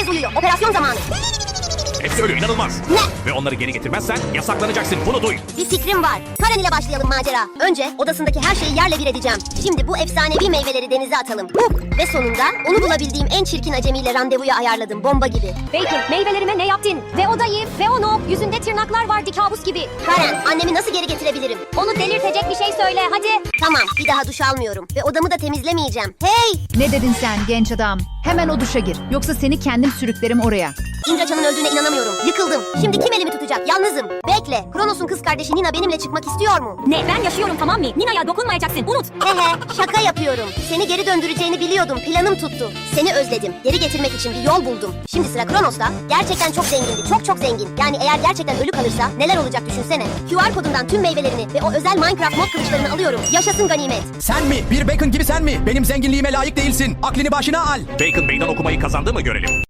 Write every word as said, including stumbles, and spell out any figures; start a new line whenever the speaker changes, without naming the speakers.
Herkes uyuyor. Operasyon zamanı.
Hepsi ölü, inanılmaz.
Ne?
Ve onları geri getirmezsen yasaklanacaksın, bunu duy.
Bir fikrim var. Karen ile başlayalım macera. Önce odasındaki her şeyi yerle bir edeceğim. Şimdi bu efsanevi meyveleri denize atalım. Hop! Ve sonunda onu bulabildiğim en çirkin acemiyle randevuya ayarladım. Bomba gibi.
Bacon, meyvelerime ne yaptın? Ve o dayı, ve onu. Yüzünde tırnaklar vardı kabus gibi.
Karen, annemi nasıl geri getirebilirim?
Onu delirtecek bir şey söyle hadi.
Tamam, bir daha duş almıyorum. Ve odamı da temizlemeyeceğim. Hey!
Ne dedin sen genç adam? Hemen o duşa gir. Yoksa seni kendim sürüklerim oraya.
İndraçan'ın öldüğüne inanamıyorum. Yıkıldım. Şimdi kim elimi tutacak? Yalnızım. Bekle. Kronos'un kız kardeşi Nina benimle çıkmak istiyor mu?
Ne, ben yaşıyorum tamam mı? Nina'ya dokunmayacaksın, unut.
Hehe, şaka yapıyorum. Seni geri döndüreceğini biliyordum. Planım tuttu. Seni özledim. Geri getirmek için bir yol buldum. Şimdi sıra Kronos'ta. Gerçekten çok zengindi. Çok çok zengin. Yani eğer gerçekten ölü kalırsa neler olacak düşünsene. Q R kodundan tüm meyvelerini ve o özel Minecraft mod kılıçlarını alıyorum. Yaşasın ganimet.
Sen mi? Bir Bacon gibi sen mi? Benim zenginliğime layık değilsin. Aklını başına al.
Bacon meydan okumayı kazandı mı görelim.